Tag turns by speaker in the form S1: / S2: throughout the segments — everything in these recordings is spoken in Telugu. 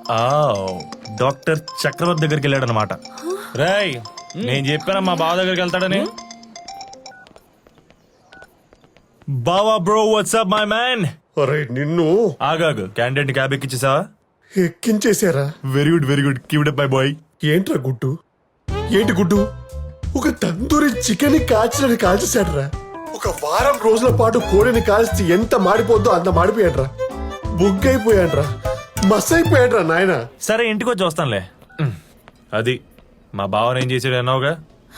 S1: డాక్టర్ చక్రవర్తి దగ్గరికి వెళ్ళాడు అనమాట. రేయ్ నేను చెప్పాను మా బావ దగ్గరికి వెళ్తాడని. బావా బ్రో వాట్సాప్ మై మ్యాన్.
S2: అరే నిన్ను
S1: ఆగాగు, క్యాండిడేట్ క్యాబ్ ఎక్కించేసావా?
S2: ఎక్కించేశారా?
S1: Very good keep it up my boy.
S2: ఏంట్రా గుడ్డు? ఏంటి గుడ్డు? ఒక తందూరి చికెన్ కాల్చినని కాల్చేశాడ్రా. ఒక వారం రోజుల పాటు కోడిని కాల్చి ఎంత మాడిపోద్దో అంత మాడిపోయాడ్రా. బుగ్గైపోయాడ్రా, మస్ అయిపోయాడ్రా నాయన.
S1: సరే ఇంటికి వచ్చి వస్తానులే. అది మా బావని ఏం చేసాడు అన్నావుగా.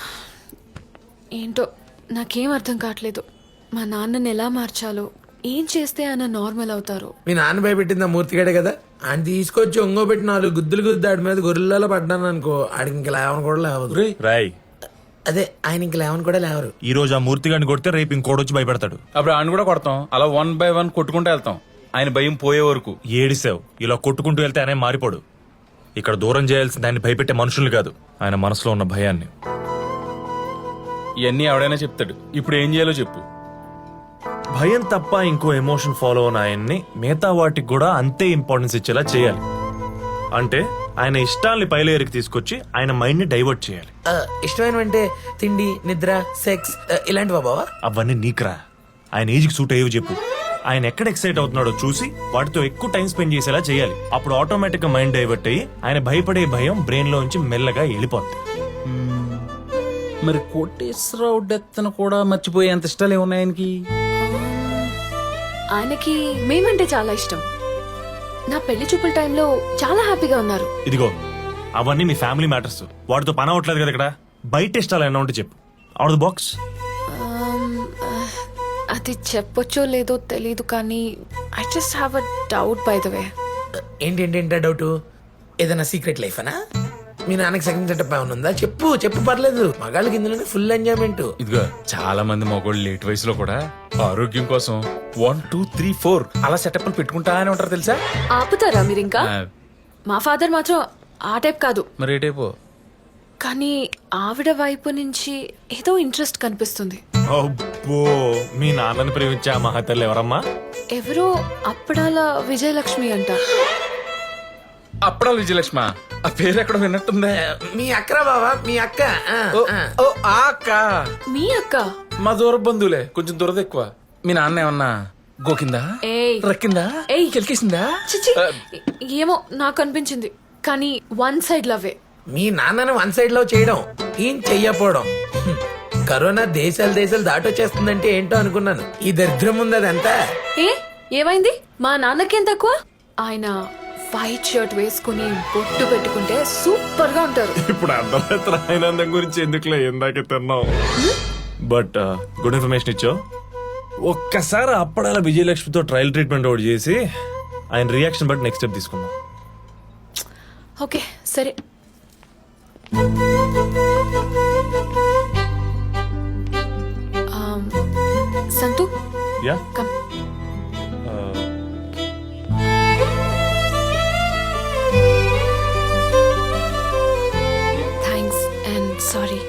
S3: ఏంటో నాకేం అర్థం కావట్లేదు. మా నాన్నని ఎలా మార్చాలో, ఏం చేస్తే ఆయన నార్మల్ అవుతారు.
S4: మీ నాన్న భయపెట్టింది ఆ మూర్తిగాడే కదా. ఆయన తీసుకొచ్చి ఒంగో పెట్టి 4 గుద్దులు గుద్దాడి మీద గొర్రెలలో పడ్డాను అనుకో, ఆడికి ఇంక లేవని కూడా లేవదు.
S1: రాయ్
S4: అదే ఆయన ఇంక లేవని కూడా లేవరు.
S1: ఈ రోజు ఆ మూర్తి గారిని కొడితే రేపు ఇంకోటి భయపెడతాడు.
S5: అప్పుడు ఆయన కూడా కొడతాం. అలా 1 by 1 కొట్టుకుంటూ వెళ్తాం. ఆయన భయం పోయే వరకు.
S1: ఏడిసావు, ఇలా కొట్టుకుంటూ వెళ్తే ఆయన మారిపోడు. ఇక్కడ దూరం చేయాల్సింది ఆయన భయపెట్టే మనుషుల్ని కాదు, ఆయన మనసులో ఉన్న భయాన్ని.
S5: ఇవన్నీ ఎవడైనా చెప్తాడు. ఇప్పుడు ఏం చేయాలో చెప్పు.
S1: భయం తప్ప ఇంకో ఎమోషన్ ఫాలో అయిన ఆయన్ని మిగతా వాటికి కూడా అంతే ఇంపార్టెన్స్ ఇచ్చేలా చేయాలి. అంటే ఆయన ఇష్టాల్ని పైలేరికి తీసుకొచ్చి ఆయన మైండ్ ని డైవర్ట్ చేయాలి.
S4: ఇష్టమైనవంటే తిండి, నిద్ర, సెక్స్ ఇలాంటివా బావా?
S1: అవన్నీ నీకురా, ఆయన ఏజ్ కి సూట్ అయ్యేవి చెప్పు. ఆయన ఎక్కడ ఎక్సైట్ అవుతున్నాడో చూసి వాటితో ఎక్కువ టైం స్పెండ్ చేసేలా చేయాలి. అప్పుడు ఆటోమేటిక్ గా మైండ్ డైవర్ట్ అయ్యి ఆయన భయపడే భయం బ్రెయిన్ లోంచి మెల్లగా వెళ్ళిపోతుంది.
S5: మరి కోటేశ్వరరావు డెత్ కూడా మర్చిపోయేంత ఇష్టాలు ఏమున్నాయి ఆయనకి?
S3: ఆయనకి మేమంటే చాలా ఇష్టం. నా పెళ్లి చూపుల టైంలో చాలా హ్యాపీగా ఉన్నారు.
S1: ఇదిగో అవన్నీ మీ ఫ్యామిలీ మ్యాటర్స్, వాటితో పని అవట్లేదు కదా. ఇక్కడ బయట ఇష్టాలు ఏమన్నా ఉంటే చెప్పు. Out the box.
S3: అది చెప్పొచ్చో లేదో తెలీదు కానీ I just have a doubt by the way.
S4: ఏంటి డౌట్? ఏదైనా సీక్రెట్ లైఫ్ అనా? మీ నాన్నకి సెకండ్ సెటప్ ఏమైనా ఉందా? చెప్పు పర్లేదు. మగాళ్ళకి ఇందులోనే ఫుల్ ఎంజాయ్మెంట్.
S5: ఇదిగో చాలా మంది మగోళ్ళు లేట్ వయసులో కూడా ఆరోగ్యం కోసం 1 2 3 4 అలా సెటప్లు పెట్టుకుంటానే ఉంటారు తెలుసా.
S3: ఆపుతారా మీరు ఇంకా? మా ఫాదర్ మాత్రం ఆ టైప్ కాదు.
S5: మరి ఏ టైపు?
S3: కానీ ఆవిడ వైపు నుంచి ఏదో ఇంట్రెస్ట్ కనిపిస్తుంది.
S1: అబ్బో, మీ నాన్నని ప్రేమించే ఆ మహతల్లి ఎవరమ్మా?
S3: ఎవరో అప్పడాల విజయలక్ష్మి అంట.
S5: అప్పుడా విజయలక్ష్మ? ఆ పేరు ఎక్కడ విన్నట్టుందే.
S4: మీ అక్కరా బావా? మీ అక్క.
S5: ఓ ఆ అక్క.
S3: మీ అక్క?
S5: మా దూర బంధువులే, కొంచెం దురద ఎక్కువ. మీ నాన్న ఏమన్నా గోకిందా,
S3: ఏయ్
S5: రక్కిందా,
S3: ఏయ్
S5: కెలికేసిందా?
S3: చిచి, ఏమో నాకు అనిపించింది. కానీ 1 సైడ్ లవ్వే.
S4: మీ నాన్నను 1 సైడ్ లో చేయడం, ఏం చెయ్యపోవడం. కరోనా దేశాలు దాటొచ్చేస్తుందంటే ఏంటో అనుకున్నాను. ఈ దరిద్రం ఉంది అదంతా.
S3: ఏమైంది? మా నాన్నకేం తక్కువ? ఆయన వైట్ షర్ట్ వేసుకుని బొట్టు పెట్టుకుంటే సూపర్ గా ఉంటారు.
S1: ఇప్పుడు అర్థమైతే ఆనందం గురించి ఎందుకులే, ఇందాకే తిన్నాం. బట్ గుడ్ ఇన్ఫర్మేషన్ ఇచ్చావు. ఒక్కసారి అప్పడాల విజయలక్ష్మితో ట్రయల్ ట్రీట్మెంట్ ఒకటి చేసి ఆయన రియాక్షన్ బట్టి నెక్స్ట్ స్టెప్ తీసుకుందాం.
S3: ఓకే సరే. Santhu
S1: yeah
S3: come. Thanks and sorry.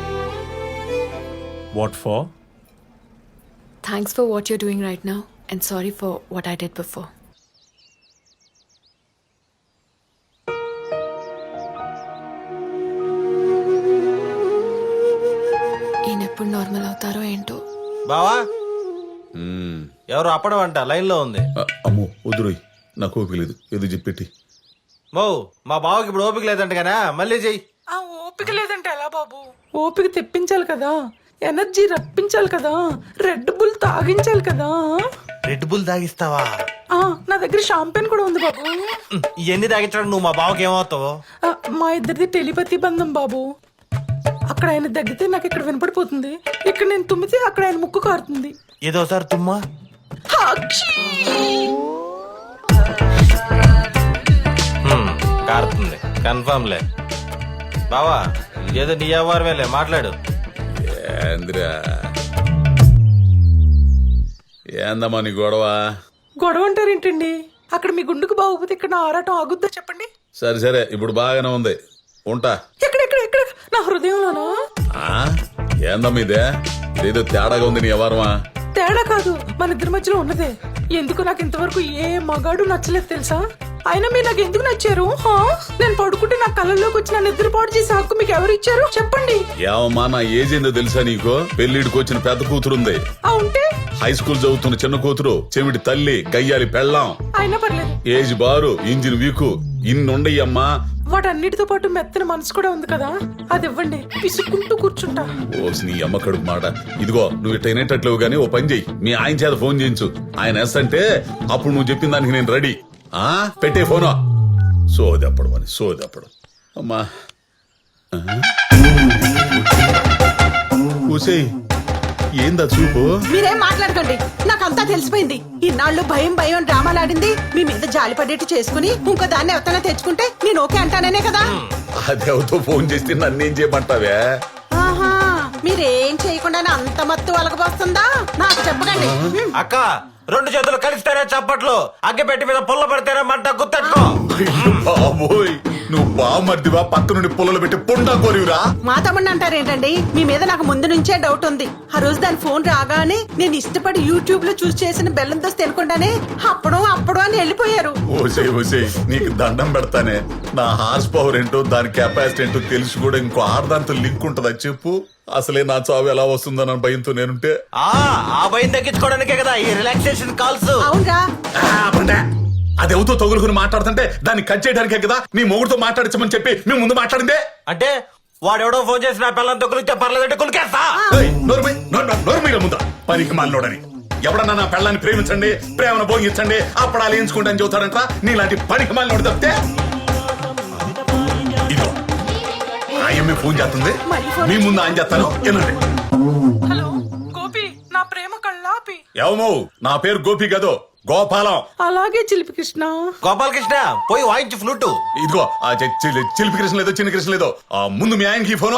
S1: What for?
S3: Thanks for what you're doing right now and sorry for what I did before. ఈయనెప్పుడు నార్మల్ అవుతారో ఏంటో.
S6: బావా ఎవరు అప్పడం అంట లైన్ లో ఉంది.
S2: అమ్మో వద్దురోయ్, నాకు ఓపిక లేదు, ఏదో చెప్పెట్టి.
S6: మో మా బావకి ఇప్పుడు ఓపిక లేదంట కదా, మళ్ళీ చెయ్యి.
S7: ఆ ఓపిక లేదంటే ఎలా బాబు? ఓపిక తెప్పించాలి కదా, ఎనర్జీ రప్పించాలి కదా, రెడ్ బుల్ తాగించాలి కదా.
S6: రెడ్ బుల్ తాగిస్తావా?
S7: నా దగ్గర షాంపెన్ కూడా ఉంది బాబు.
S6: ఇవన్నీ తాగించడం నువ్వు మా బావకి ఏమవుతావు?
S7: మా ఇద్దరిది టెలిపతి బంధం బాబు. అక్కడ ఆయన దగ్గితే నాకు ఇక్కడ వినపడిపోతుంది, ఇక్కడ నేను తుమ్మితే అక్కడ ఆయన ముక్కు కారుతుంది.
S6: ఏదోసారి తుమ్మా. కారుతుంది కన్ఫర్మ్ లే. బావా ఏదో నీ వ్యవహారమేలే, మాట్లాడు.
S2: ఏందమ్మా నీ గొడవ?
S7: గొడవ అంటారేంటండి? అక్కడ మీ గుండుకు బాగోపోతే ఇక్కడ నా ఆరాటం ఆగుద్దా చెప్పండి.
S2: సరే ఇప్పుడు బాగానే ఉంది, ఉంటా.
S7: ఎక్కడ నా హృదయంలోనా?
S2: ఏందమ్మా ఇదే? ఇదేదో తేడాగా ఉంది నీ వ్యవహారమా?
S7: తేడా కాదు, మన ఇద్దరి మధ్యలో ఉన్నదే. ఎందుకు నాకు ఇంతవరకు ఏ మగాడు నచ్చలేదు తెలుసా? అయినా మీరు నాకు ఎందుకు నచ్చారు హా? నేను పడుకుంటే నా కళ్ళలోకి వచ్చి నా నిద్రపాటు చేసే హక్కు మీకు ఎవరు ఇచ్చారు చెప్పండి.
S8: ఏమమ్మా నా ఏజ్ ఏందో తెలుసా నీకు? పెళ్లిడికి వచ్చిన పెద్ద కూతురుంది,
S7: ఆ ఉంటే
S8: హై స్కూల్ చదువుతున్న చిన్న కూతురు, చెవిటి తల్లి, గయ్యాలి పెళ్ళాం,
S7: అయినా పర్లేదు.
S8: ఏజ్ బారు, ఇంజిన్ వీకు, ఇన్నుండయ్యమ్మా.
S7: వాటన్నిటితో పాటు మెత్తన మనసు కూడా ఉంది కదా, అది ఇవ్వండి, పిసుక్కుంటూ కూర్చుంటా.
S8: ఓసి నీ అమ్మ కడుపు మాట. ఇదిగో నువ్వు ఇట్ట వినేటట్లేవు గానీ ఓ పని చెయ్యి, మీ ఆయన చేత ఫోన్ చేయించు. ఆయన ఎస్ అంటే అప్పుడు నువ్వు చెప్పిన దానికి నేను రెడీ. ఆ పెట్టే ఫోను. సోదప్పుడు అని సోదప్పుడు అమ్మా. ఊసేయ్ ఏందా చూపు?
S9: మీరేం మాట్లాడకండి, నాకంతా తెలిసిపోయింది. ఇన్నాళ్ళు భయం భయం డ్రామాలాడింది మీ మీద జాలి పడేట్టు చేసుకుని ఇంకో దాన్ని ఎవరైనా తెచ్చుకుంటే నేను ఓకే అంటాననే కదా.
S8: అదేవతో ఫోన్ చేస్తే నన్నేం చేయమంటావే?
S9: ఆహా, మీరేం చేయకుండానే అంత మత్తు వలకపోస్తుందా? నాకు చెప్పకండి.
S6: అక్క 2 చేతులు కలిస్తేనే చప్పట్లు, అగ్గి పెట్టి మీద పుల్ల పడితేనే మంట గుర్తెట్టుకో.
S8: అయ్యో బాబోయ్, నువ్వు బామర్దివా పక్క నుండి పుల్లలు పెట్టి పుండా కోరివురా?
S9: మా తమ్ముడిని అంటారేంటండి? మీ మీద నాకు ముందు నుంచే డౌట్ ఉంది. ఆ రోజు దాని ఫోన్ రాగానే నేను ఇష్టపడి యూట్యూబ్ లో చూసి చేసిన బెల్లం దోశ తినకుండానే అప్పుడు అని వెళ్ళిపోయారు.
S8: ఓసే ఓసే నీకు దండం పెడతానే. నా హార్స్ పవర్ ఏంటో దాని కెపాసిటీ ఏంటో తెలిసి కూడా ఇంకో ఆర్దాంతో లింక్ ఉంటుందా చెప్పు? అసలే నా చావు ఎలా వస్తుందన్న భయంతో నేనుంటే
S6: ఆ భయం తగ్గించుకోవడానికే కదా ఈ రిలాక్సేషన్ కాల్స్.
S9: అవునరా,
S8: అది ఎవరితో తగులుకుని మాట్లాడుతుంటే దాన్ని కట్ చేయడానికే కదా నీ మొగుడుతో మాట్లాడించమని చెప్పి మేము ముందు మాట్లాడిందే.
S6: అంటే వాడెవడో ఫోన్ చేసి నా పిల్లలతో కులిస్తే పర్లేదంటే కులికేస్తా.
S8: నోర్మీల ముందా పనికి మాలోడని ఎవడన్నా నా పెళ్ళాన్ని ప్రేమించండి, ప్రేమను భోగించండి, అప్పుడు అలా ఎంచుకుంటాను చెబుతాడంట. నీలాంటి పనికి మాలోడు తప్పితే ఇదో ఆయమ్మే ఫోన్ చేస్తుంది, మీ ముందు ఆయన చేస్తాను వినండి.
S7: హలో గోపి, నా ప్రేమ కళ్ళాపి.
S8: ఏమో నా పేరు గోపి కదో, గోపాలం.
S7: అలాగే చిలిపి కృష్ణ.
S6: గోపాలకృష్ణ పోయి వాయించి ఫ్లూటు.
S8: ఇదిగో ఆ చిలిపి కృష్ణ లేదో చిన్న కృష్ణ లేదో ముందు మీ ఆయనకి ఫోను.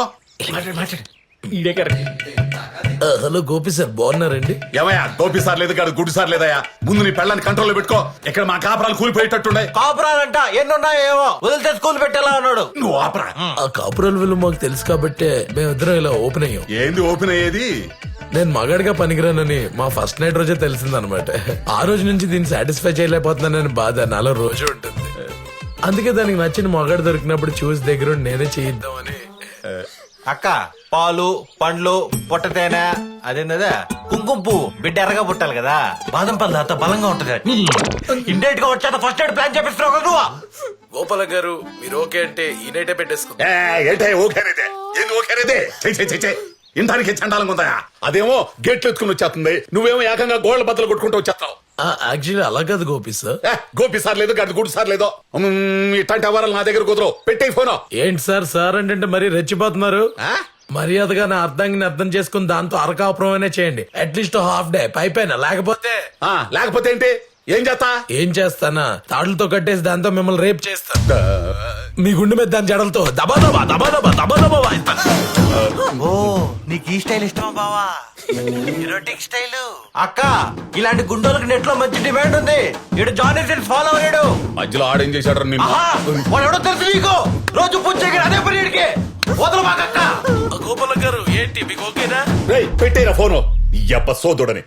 S4: హలో గోపి సార్, బాగున్నారండి?
S8: ఏమయ్యా గోపి సార్ లేదు కాదు గుడ్డు సార్ లేదయ్యా. ముందు నీ పెళ్ళాన్ని కంట్రోల్లో పెట్టుకో. ఇక్కడ మా కాపురాలు కూలిపోయేటట్టుండే.
S6: కాపురాలంట ఎన్నున్నాయో ఏమో వదిలితే స్కూల్ పెట్టేలా ఉన్నాడు.
S8: నువ్వు ఆపరా.
S4: ఆ కాపురాల విలువ మాకు తెలుసు కాబట్టే మేమిద్దరం ఇలా ఓపెన్ అయ్యాం.
S8: ఏంది ఓపెన్ అయ్యేది?
S4: నేను మగాడిగా పనికిరానని మా ఫస్ట్ నైట్ రోజే తెలిసిందనమాట. ఆ రోజు నుంచి దీన్ని సాటిస్ఫై చేయలేకపోతున్నానని బాధ నాలో రోజు ఉంటుంది. అందుకే దానికి నచ్చిన మగాడు దొరికినప్పుడు చూసి దగ్గర నేనే చేయిద్దామని.
S6: అక్క పాలు పండ్లు పొట్ట తేనె అదేందా కుంకుమ పువ్వు బిడ్డ ఎర్రగా పుట్టాలి కదా, బాదం పళ్ళు అంత బలంగా ఉంటది. ఇండైరెక్ట్ గా వచ్చేత ఫస్ట్ ఎయిడ్ ప్లాన్ చేపిస్తున్నావు కదా నువ్వు.
S4: గోపాల గారు మీరు ఓకే అంటే ఈ నైటే పెట్టేసుకో.
S8: ఏంటే ఓకేనేదే? ఏంది ఓకేనేదే? ఇంటానికి చండాలంగా ఉందా? అదేమో గేట్లు ఎత్తుకుని వచ్చేస్తుంది, నువ్వేమో ఏకంగా గోళ్ల బద్దలు కొట్టుకుంటూ వచ్చేస్తావు.
S4: యాక్చువల్లీ అలా కాదు గోపి సార్.
S8: గోపి సార్ లేదు గడ్డి గుడి సార్ లేదో ఇట్లాంటి అవరాలు నా దగ్గర కుదరవు. పెట్టే ఫోను.
S4: ఏంటి సార్ సార్ అంటే మరీ రెచ్చిపోతున్నారు. మర్యాదగా నా అర్థాన్ని అర్థం చేసుకుని దాంతో అరకాపురం చేయండి. అట్లీస్ట్ హాఫ్ డే పైపైన.
S8: లేకపోతే ఏంటి? ఏం చేస్తా?
S4: ఏం చేస్తానా, తాడులతో కట్టేసి దాంతో మిమ్మల్ని రేప్ చేస్తా. మీ గుండె మీద దాని జడలతో దబాదబా దబాదబా దబాదబా వాయిస్తాను.
S6: ఓ నీకు ఈ స్టైల్ ఇష్టమా బావా? Erotic style. అక్క ఇలాంటి గుండోలకు నెట్ లో మంచి డిమాండ్ ఉంది. ఇడు జానీ సిన్స్ ఫాలో అయ్యాడు.
S8: మధ్యలో ఆడేం చేశాడు నిన్ను?
S6: వాడు ఎవడో తెలుసు నీకు. రోజు పూజ అదే పని ఇడికి వదలు మాకక్క.
S4: గోపాల గారు ఏంటి మీకు ఓకేనా?
S8: పెట్టేరా ఫోను. ఎప్ప సోదోడని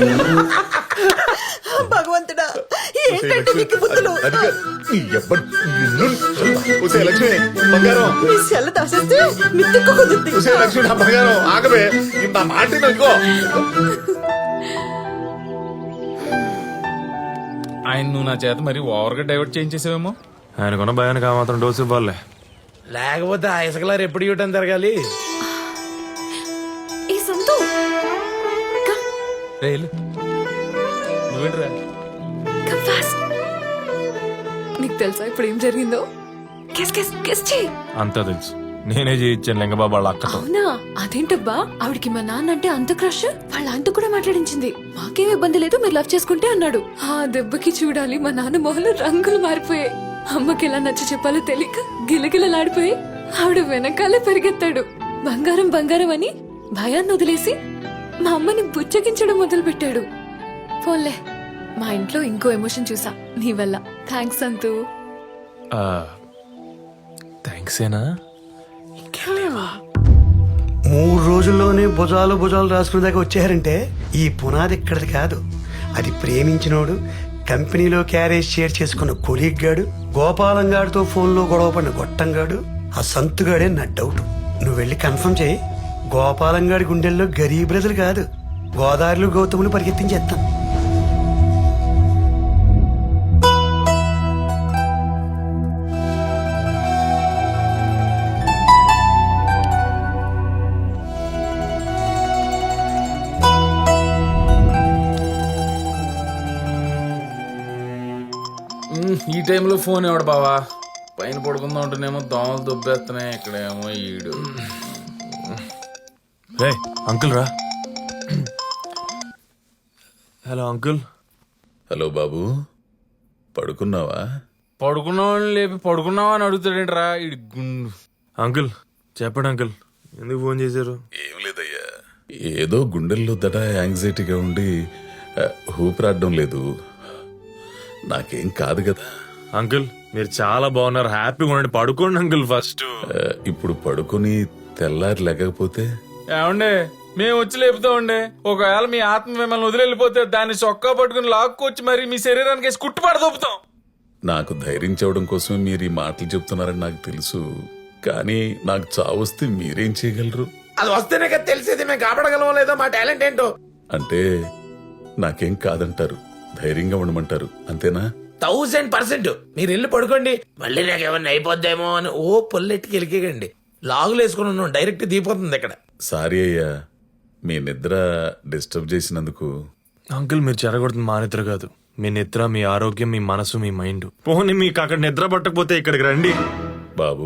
S9: భగవంతుడా, ఏంటంటే మీకు బుద్ధులు?
S8: లక్ష్మి బంగారం,
S9: మీ సెల్ల దాసేస్తే మిత్తికు కుదురుద్ది.
S8: లక్ష్మి నా బంగారం ఆగవే, నా మాట ఇదిగో.
S5: ఆయన నువ్వు నా చేత మరి ఓవర్గా డైవర్ట్ చేయించేసావేమో.
S1: ఆయనకున్న భయానికి ఆ మాత్రం డోసు ఇవ్వాలే.
S4: లేకపోతే ఆ ఇసుకలారు ఎప్పుడు ఇవ్వటం జరగాలి.
S3: ఈ సంతు
S5: రేలు నువ్వేంట్రా?
S3: come fast. నీకు తెలుసా ఇప్పుడు ఏం జరిగిందో? గెస్ చెయ్యి.
S1: అంతా తెలుసు, నేనే చేయించాను లింగబాబు వాళ్ళ అక్కతో.
S3: అవునా? అదేంటబ్బా, ఆవిడికి మా నాన్న అంటే అంత క్రష్, వాళ్ళ అంత కూడా మాట్లాడించింది. మాకేం ఇబ్బంది లేదు, మీరు లవ్ చేసుకుంటే అన్నాడు. ఆ దెబ్బకి చూడాలి మా నాన్న మొహంలో రంగులు మారిపోయాయి. అమ్మకి ఎలా నచ్చ చెప్పాలో తెలియక గిలగిలలాడిపోయి ఆవిడ వెనకాలే పరిగెత్తాడు. బంగారం బంగారం అని భయాన్ని వదిలేసి మా అమ్మని బుచ్చగించడం మొదలు పెట్టాడు. పోన్లే, మా ఇంట్లో ఇంకో ఎమోషన్ చూసా నీ వల్ల. థ్యాంక్స్ అంతు.
S1: థ్యాంక్స్ ఏనా?
S10: 3 రోజుల్లోనే భుజాలు రాసుకునే దాకా వచ్చారంటే ఈ పునాది ఇక్కడది కాదు. అది ప్రేమించినోడు కంపెనీలో క్యారేజ్ షేర్ చేసుకున్న కొలీగ్ గాడు, గోపాలం గాడితో ఫోన్లో గొడవ పడిన గొట్టంగాడు, ఆ సంతుగాడే నా డౌట్. నువ్వు వెళ్ళి కన్ఫర్మ్ చేయి. గోపాలం గాడి గుండెల్లో గరీబ్ బ్రదర్ కాదు, గోదావరిలో గౌతములు పరిగెత్తించేస్తాను.
S5: ఈ టైంలో ఫోన్ ఎవడు బావా? పైన పడుకుందాం ఉంటేనేమో దోమలు దుబ్బేస్తున్నాయి, ఇక్కడేమో ఈడు.
S1: రే అంకుల్ రా. Hello uncle.
S8: హలో బాబు, పడుకున్నావా?
S5: పడుకున్నావని లేపి పడుకున్నావా అని అడుగుతాడేంట్రా ఈడు గుండు.
S1: అంకుల్ చెప్పండి అంకుల్, ఎందుకు ఫోన్ చేశారు?
S8: ఏం లేదయ్యా, ఏదో గుండెల్లో దడ యాంగ్జైటీగా ఉండి ఊపిరాడడం లేదు. నాకేం కాదు కదా.
S1: అంకుల్ మీరు చాలా బాగున్నారు, హ్యాపీగా ఉండండి, పడుకోండి అంకుల్ ఫస్ట్.
S8: ఇప్పుడు పడుకుని తెల్లారి లేకపోతే
S5: ఏమండే మేము వచ్చి లేపుతామండే. ఒకవేళ మీ ఆత్మ మిమ్మల్ని వదిలిపోతే దాన్ని చొక్కా పట్టుకుని లాక్కొచ్చి మరి మీ శరీరానికి వేసి కుట్టు పడదొప్పుతాం.
S8: నాకు ధైర్యం చెప్పడం కోసం మీరు ఈ మాటలు చెప్తున్నారని నాకు తెలుసు, కానీ నాకు చావు వస్తే మీరేం చేయగలరు?
S4: అది వస్తేనే కదా తెలిసేది మేము కాపాడగలమో లేదో మా టాలెంట్ ఏంటో.
S8: అంటే నాకేం కాదంటారు, ధైర్యంగా ఉండమంటారు, అంతేనా?
S4: 1000%. మీరు వెళ్ళి పడుకోండి, మళ్ళీ నాకు ఏమన్నా అయిపోద్దేమో అని ఓ పొల్లెట్టుకి వెళ్ళికండి. లాగులు వేసుకుని ఉన్నాం, డైరెక్ట్ దిగిపోతుంది ఇక్కడ.
S8: సారీ అయ్యా, మీ నిద్ర డిస్టర్బ్ చేసినందుకు.
S1: అంకుల్ మీరు చెరగొడుతుంది మా నిద్ర కాదు, మీ నిద్ర, మీ ఆరోగ్యం, మీ మనసు, మీ మైండ్. పోనీ మీకు అక్కడ నిద్ర పట్టకపోతే ఇక్కడికి రండి.
S8: బాబు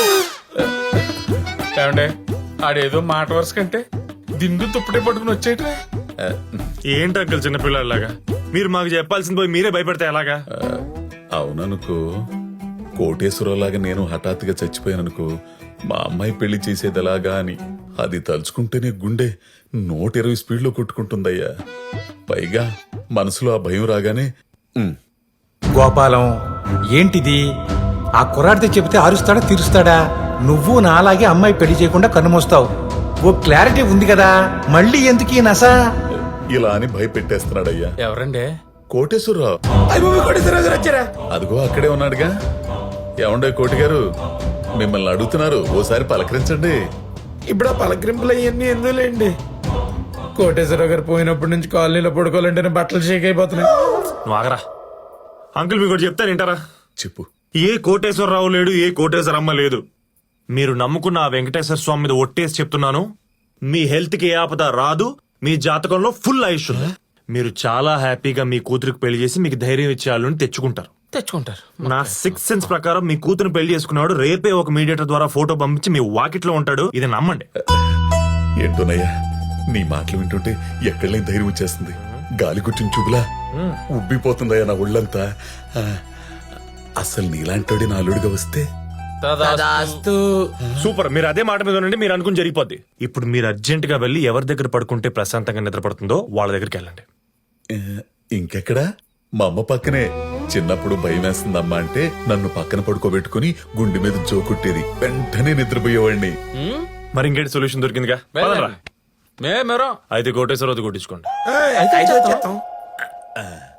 S5: ఏమండే ఆడేదో మాట వరుస కంటే దిండు తుప్పటి పట్టుకుని వచ్చేయటమే.
S1: ఏంటి అంకుల్ చిన్నపిల్లలాగా మీరు మాకు చెప్పాల్సింది పోయి మీరే భయపడితే ఎలాగా?
S8: అవుననుకో, కోటేశ్వరలాగా నేను హఠాత్తుగా చచ్చిపోయాననుకో, మా అమ్మాయి పెళ్లి చేసేది ఎలాగా అని అది తలుచుకుంటేనే గుండె 120 స్పీడ్లో కొట్టుకుంటుందయ్యా. పైగా మనసులో ఆ భయం రాగానే
S11: గోపాలం ఏంటిది? ఆ కుర్రాడితో చెబితే అరుస్తాడా తీరుస్తాడా? నువ్వు నాలాగే అమ్మాయి పెళ్లి చేయకుండా కన్నుమోస్తావు. ఓ క్లారిటీ ఉంది కదా, మళ్ళీ ఎందుకు ఈ నస?
S8: ఇలా అని భయపెట్టేస్తున్నాడయ్యా.
S5: ఎవరండే?
S8: కోటేశ్వరరావు.
S4: వచ్చారా?
S8: అదిగో అక్కడే ఉన్నాడుగా. ఏమండే కోటి గారు, మిమ్మల్ని అడుగుతున్నారు, ఓసారి పలకరించండి.
S4: ఇప్పుడు ఆ పలకరింపులు అవన్నీ ఎందులేండి. కోటేశ్వరరావు గారు పోయినప్పటి నుంచి కాలనీలో పడుకోవాలంటేనే బట్టలు షేక్ అయిపోతున్నాయి.
S1: నువ్వు ఆగరా అంకుల్, మీకు ఒకటి చెప్తాను వింటారా?
S8: చెప్పు.
S1: ఏ కోటేశ్వరరావు లేడు, ఏ కోటేశ్వరమ్మ లేదు. మీరు నమ్ముకున్న ఆ వెంకటేశ్వర స్వామి మీద ఒట్టేసి చెప్తున్నాను, మీ హెల్త్ కి ఏ ఆపద రాదు, మీ జాతకంలో ఫుల్ ఆయుష్ ఉంది. మీరు చాలా హ్యాపీగా మీ కూతురికి పెళ్లి చేసి మీకు ధైర్యం ఇచ్చే వాళ్ళని తెచ్చుకుంటారు. నా 6th సెన్స్ ప్రకారం మీ కూతురు పెళ్లి చేసుకున్నాడు రేపే ఒక మీడియేటర్ ద్వారా ఫోటో పంపించి మీ వాకిట్లో ఉంటాడు. ఇది నమ్మండి.
S8: ఏంటోనయ్యా, నీ మాటలు వింటుంటే ఎక్కడలేని ధైర్యం వచ్చేస్తుంది. గాలి కుట్టిన చూపులా ఉబ్బిపోతుందయ్యా నా ఒళ్ళంతా. అసలు నీలాంటోడి నా అల్లుడిగా వస్తే
S4: తదాస్తు.
S1: సూపర్, మీరు అదే మాట మీద ఉండండి, మీరు అనుకుని జరిగిపోద్ది. ఇప్పుడు మీరు అర్జెంట్ గా వెళ్ళి ఎవరి దగ్గర పడుకుంటే ప్రశాంతంగా నిద్రపడుతుందో వాళ్ళ దగ్గరికి వెళ్ళండి.
S8: ఇంకెక్కడా? మా అమ్మ పక్కనే. చిన్నప్పుడు భయం వేస్తుందమ్మా అంటే నన్ను పక్కన పడుకోబెట్టుకుని గుండె మీద జోకుట్టేది, వెంటనే నిద్రపోయేవాడిని.
S1: మరి ఇంకేంటి సొల్యూషన్ దొరికిందిగా? పదండ్రా. అయితే కోటేశ్వరరావు కొట్టించుకోండి.
S4: అయితే